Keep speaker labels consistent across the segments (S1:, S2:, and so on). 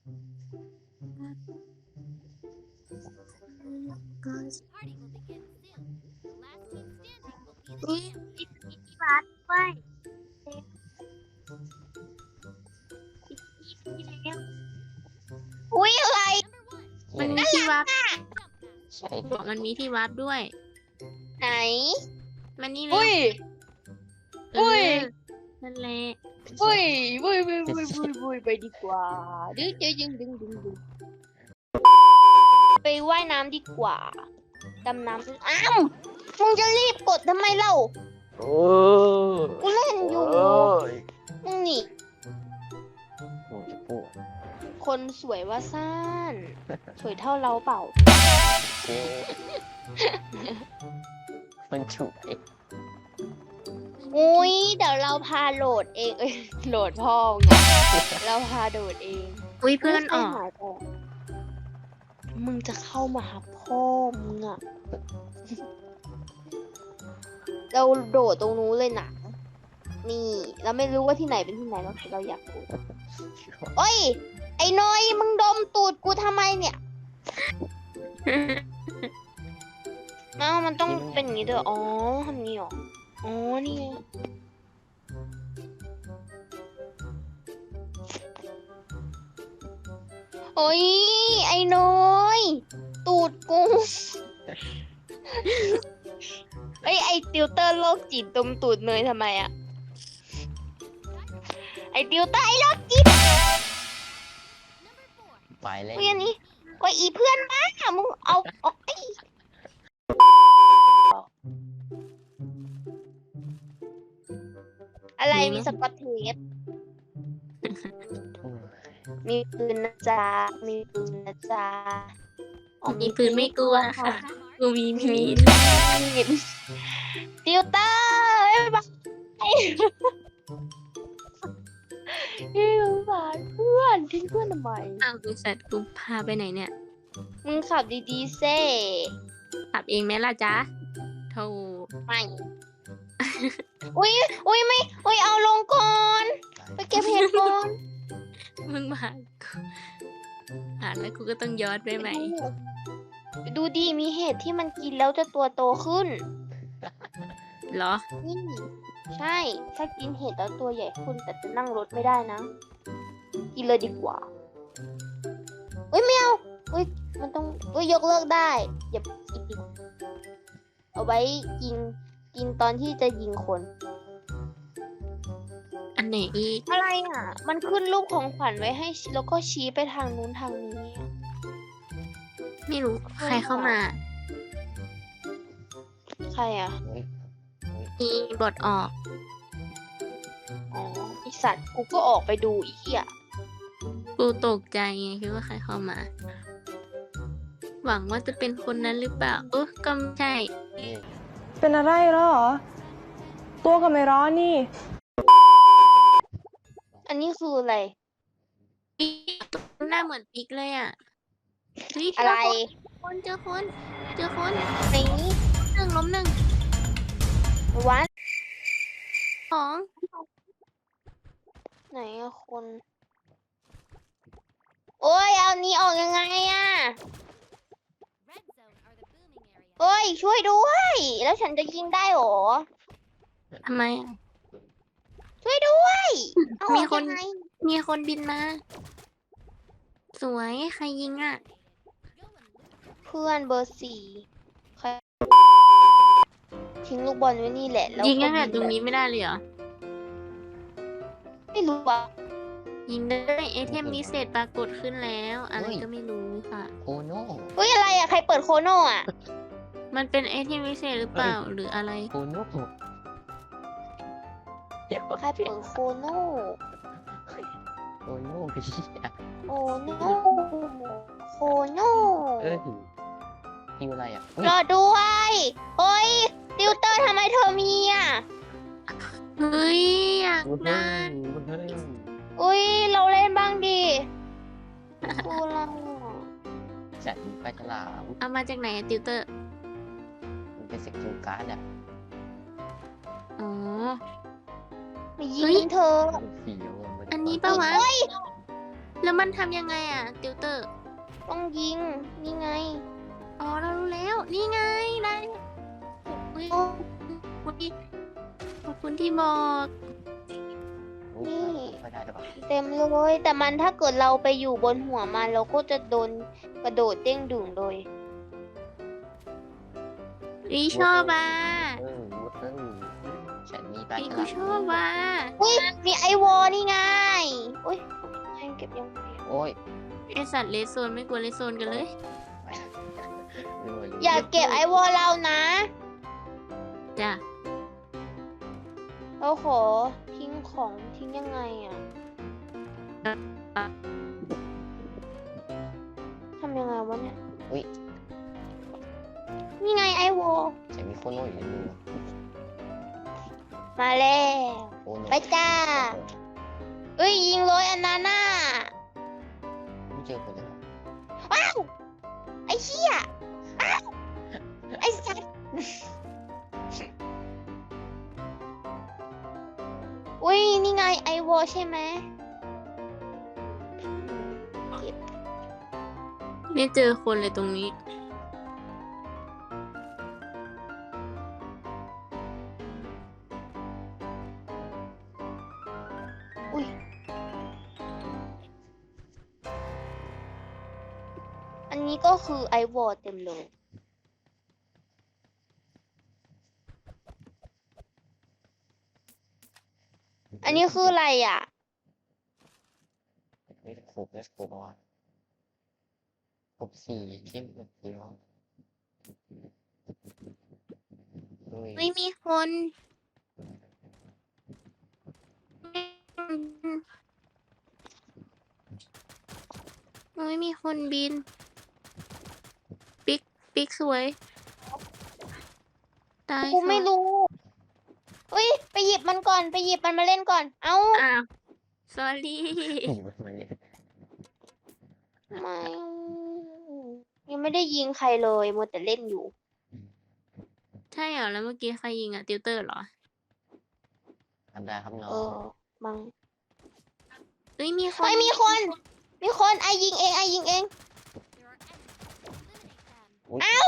S1: นี่มีที่วัดด้วยที่แล้วอุ้ยอะไร
S2: มันมีที่วัด
S3: ใช่
S2: บอกมันมีที่วัดด้วย
S1: ไหน
S2: มันนี่เล
S1: อุ้
S2: ย
S1: ย
S2: เอ
S1: อุ้ย
S2: อนั่นแหละ
S1: อุ้ยอุ้ยอุ้ยอุ้ยอุ้ยอุ้ยไปดีกว่าดึงดึงดึงดึงดึงไปว่ายน้ำดีกว่าดำน้ำอ้าวมึงจะรีบกดทำไมเล่า
S3: โอ้
S1: กูเล่นอยู่
S3: ย
S1: มึงนี่
S3: โอ้ยโอ้ย
S1: คนสวยว่าซ่านสวยเท่าเราเปล่า
S3: โอ้ยมันฉุกเอง
S1: อุ้ยเดี๋ยวเราพาโหลดเองเอ้ยโหลดพ่อไงเราพาโดดเอง
S2: อุ้ยเพื่อนออก
S1: หายไปมึงจะเข้ามาหาพ่อมึงอะเราโดดตรงนู้นเลยนะนี่ เราไม่รู้ว่าที่ไหนเป็นที่ไหนเราอยากรู้โอ้ย ไอ้น้อยมึงดมตูดกูทำไมเนี่ยเอ้ามันต้องเป็นอย่างนี้ด้วยอ๋อทำนี้เหรออ๋อนี่ไงโอ้ย ไอ้น้อย ตูดกูเอ้ย ไอ้ติวเตอร์โรคจิตดมตูดเนยทำไมอะไอ้ติวเตอร์ไอ้โรคจิต
S3: ไปเลย
S1: เพื่อนนี้ก็อีเพื่อนบ้ามึงเอาไอ้อะไรมีสกอตเทปมีปืนนะจ๊ะมีปืนนะจ๊ะอ๋อ
S2: มีปืนไม่กลัวค่ะ กูมีมีด
S1: ติวเตอร์ไอ้บ้าพี่สงสารเพื่อนทิ้งเพื่อนทำไม
S2: อ้าวบริษัทกูพาไปไหนเนี่ย
S1: มึงขับดีๆเซ่
S2: ขับเองไหมล่ะจ๊ะโธ่
S1: ไม่ อุ้ยอุ้ยไม่อุ้ยเอาลงก่อน ไปเก็บเห็ดก่อน
S2: มึงมากูแล้วกูก็ต้องย้อนไปไหม
S1: ดูดีมีเห็ดที่มันกินแล้วจะตัวโตขึ้น
S2: เหรอ
S1: นี่ใช่ ถ้ากินเห็ดแล้วตัวใหญ่ขึ้นแต่จะนั่งรถไม่ได้นะ กินเลยดีกว่าเอ้ยไม่เอาเอ้ยมันต้องเอ้ยยกเลิกได้ อย่ากินดิเอาไว้กินตอนที่จะยิงคน
S2: อันไหนอีก
S1: อะไรอ่ะ มันขึ้นรูปของขวัญไว้ให้แล้วก็ชี้ไปทางนู้นทางนี้
S2: ไม่รู้ใครเข้ามา
S1: ใครอ่ะ
S2: มีบทออก
S1: อ๋อไอสัตว์กูก็ออกไปดูอีกอ่ะ
S2: กูตกใจไงคิดว่าใครเข้ามา หวังว่าจะเป็นคนนั้นหรือเปล่าก็ไม่ใช่
S4: เป็นอะไรแล้วเหรอ ตัวก็ไม่ร้อนนี่
S1: อันนี้คืออะไร
S2: ปิ๊กหน้าเหมือนปิ๊กเลยอ่ะเฮ้ย
S1: อะไร
S2: เจอคนเจอคน
S1: ไหน
S2: ล้มหนึ่ง
S1: วัด
S2: สอง
S1: ไหนอะคน โอ้ย เอานี้ออกยังไงอะโอ้ย ช่วยด้วย แล้วฉันจะยิงได้หรอ
S2: ทำไมอะ
S1: ช่วยด้วยเอาอ
S2: มี
S1: อก
S2: คน
S1: ยังไง
S2: มีคนบินมา สวยใครยิงอ่ะ
S1: เพื่อนเบอร์สี่ใครทิ้งลูกบอลไว้นี่แหละแล้ว
S2: ยิงตั้งแต่
S1: ก็
S2: ตรงนี้ไม่ได้เลยเหรอ
S1: ไม่รู้ว่า
S2: ยิงได้ไอเทมพิเศษปรากฏขึ้นแล้ว อะไรก็ไม่รู้ค่ะ
S3: โอ้โน่
S1: เฮ้ย อะไรอะใครเปิดโคโน่อะ
S2: มันเป็นไอเทมพิเศษหรือเปล่าหรืออะไร
S3: โอ้โน่เดี๋ยว
S1: ใครเปิดโคโน่
S3: โอ้โน่พี่อะ
S1: โอ้โน่โคโน่
S3: คิวอะไรอ่ะ
S1: รอด้วยเฮ้ย ติวเตอร์ทำไมเธอมีอ่ะ
S2: เฮ้ยอยาก
S3: เฮ้ย
S2: ได้
S3: เฮ้ย
S1: อุ้ย เราเล่นบ้างดิกูเราอ่ะ
S3: จัดปลาฉลาม
S2: เอามาจากไหนอะติวเตอร์
S3: มันเป็นสกิลการ์ดอ่ะ
S2: อ๋อ
S1: มายิ
S2: เฮ้ย
S1: งเธอ
S3: มันเฟี้ยวมั
S2: อันนี้ปะวะ
S1: เฮ้ย
S2: รแล้วมันทำยังไงอ่ะ ติวเตอร์
S1: ต้องยิง นี่ไง
S2: อ๋อ เรารู้แล้ว นี่ไง ได้อุ๊ย
S1: โอ้
S2: ขอบคุณที่บอก
S3: อุ๊ย
S1: นี่
S3: ไม่ได้หรือเปล่า
S1: เต็มเลย แต่มันถ้าเกิดเราไปอยู่บนหัวมันเราก็จะโดนกระโดดเด้งดึงเลย
S2: อีชอบอ่ะ
S3: วุ้นฉันมีปลา
S2: อี
S3: ฉ
S2: กู
S3: ลาม
S2: ชอบอ่ะ
S1: อุ้ยมีไอวอนี่ไง อุ้ยให้เก็บยังไง
S3: โอ้ย
S2: ไอสัตว์เลสโซนไม่กลัวเลสโซนกันเลย
S3: ลืมเลย
S1: อย่าเก็บไอวอเรานะ
S2: จ้ะ
S1: เราขอทิ้งของทิ้งยังไงอะทำยังไงวะเนี่ย
S3: อุ๊ย
S1: นี่ไงไอวอ
S3: ฉันมีโคโน่อยู่ในมือ
S1: มาแล้ว
S3: โคโน่
S1: ไปจ้า เอ้ยยิงเลยอันนั้นน่ะ
S3: ไม่เจอคนเลย
S1: ว้าวไอเชี่ยอ้าวไอสัตว์ อุ้ยนี่ไงไอวอใช่ไหม
S2: ไม่เจอคนเลยตรงนี้
S1: อุ้ยอันนี้ก็คือไอวอเต็มเลย อันนี้คืออะไรอ่ะ
S3: ไม่ได้ครบแล้วครบแล้วครบสี่เข้มแบบเดียวอุ้ย
S2: ไม่มีคนไม่มีคนบิน ปิ๊กสวย ตาย
S1: กูไม่
S2: ค่ะ
S1: รู้เฮ้ย ไปหยิบมันก่อน ไปหยิบมันมาเล่นก่อน เอ้า
S2: อ้าว sorry
S3: มันเนี่ย
S1: ไม่ยังไม่ได้ยิงใครเลยมัวแต่เล่นอยู่
S2: ใช่เหรอ แล้วเมื่อกี้ใครยิงอ่ะ ติวเตอร์เหรอ
S3: ทำได้ครับน้อ
S1: เอง อมัง
S2: เอ้ยมีคน
S1: เฮ้ยมีคน มีคน ไอยิงเอง ไอยิงเอง
S3: อุ๊ย
S1: เอ้า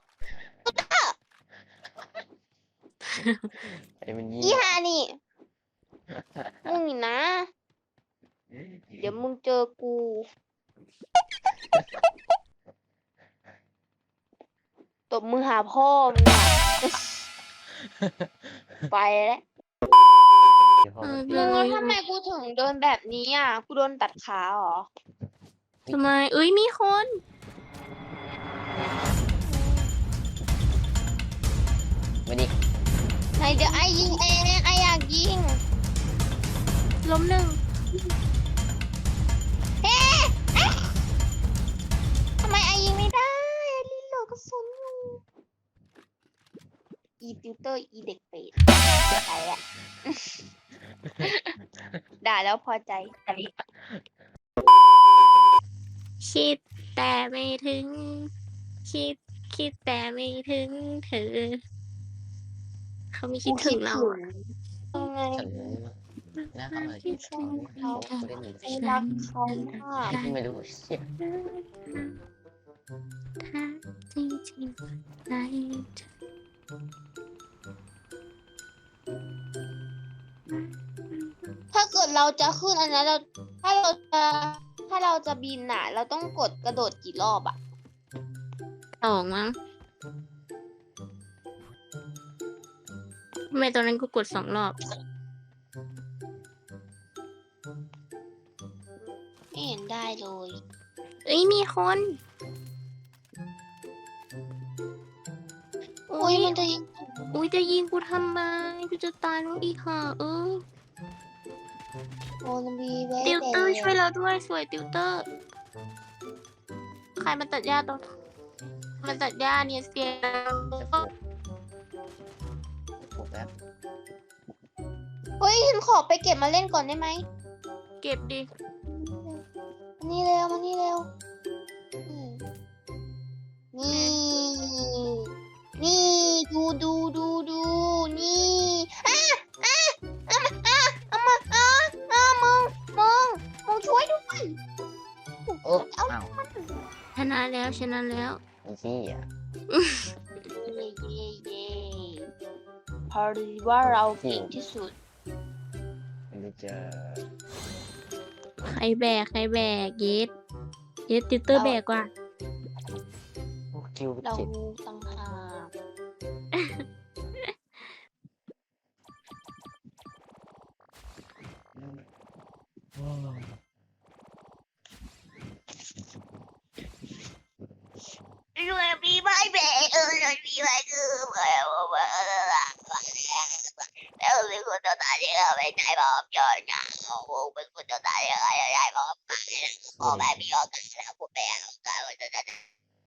S3: ไอ้มันยิง
S1: อีฮานี่ มึงนี่นะ เดี๋ยวมึงเจอกู ตบมือหาพ่อมึงอะ ไปแล้ว
S2: เออ
S1: มึงแล้วทำไมกูถึงโดนแบบนี้อ่ะ กูโดนตัดขาเหรอ
S2: ทำไม เอ้ยมีคน
S3: มาดิ
S1: ไหนเดี๋ยวไอยิงเองไออยากยิง
S2: ล้มหนึ่ง
S1: เฮ้เอ๊ะทำไมไอยิงไม่ได้ลิ้นเหลือกระสุนอยู่ อีติวเตอร์อีเด็กเป็ดไปอ่ะ ด่าแล้วพอใจ
S2: คิดแต่ไม่ถึง คิดแต่ไม่ถึงเธอ เขาไม่คิดถึงเราอะ
S1: ยังไง
S3: ฉันน่าเข้ามาที่เขาเล่นหนึ่ง
S1: ไอรักเขามาก
S3: ไม่รู้เชี่ย
S2: ถ้าจริงๆใจเธอ
S1: ถ้าเกิดเราจะขึ้นอันนั้นเราถ้าเราจะบินน่ะ เราต้องกดกระโดดกี่รอบอ่ะ
S2: สองมั้งทำไมตอนนั้นกูกด2 รอบ
S1: ไม่เห็นได้เลย
S2: เอ้ยมีคน
S1: อุ้ยมันจะยิง
S2: อุ้ยจะยิงกูทำไมกูจะตายแล้วอีกค่ะ
S1: โอนบีเว
S2: ติวเตอร์ช่วยเราด้วยสวยติวเตอร์ ใครมาตัดหญ้าตรงมันตัดหญ้าเนี่ยเสีย
S3: ครบแล้ว
S1: เฮ้ยฉันขอไปเก็บมาเล่นก่อนได้ไหม
S2: เก็บดิ
S1: มานี่เร็วมานี่เร็ว นี่ นี่ ดู นี่มึงช่วยด้วยเอ้า
S3: อ้าว
S2: ชนะแล้วชนะแล้ว
S3: อีซี่อ่ะ
S1: เย่เย่เย่พอดีว่าเราเก่งที่สุด
S3: ไม่รู้จะ
S2: ใครแบกเยสติวเตอร์แบกกว่า
S3: โอ้คิว
S1: เรา
S3: เจ็ด
S1: ต่างหาก ด้วยมีไม้แบกมีไม้คือแล้วเป็นคนตัวตายที่เราไม่ใจบอกย้อนเหงาเป็นคนตัวตายที่เราไม่ใจบอกพ่อแม่มีโอกาสแล้วพ่อแม่โอกาส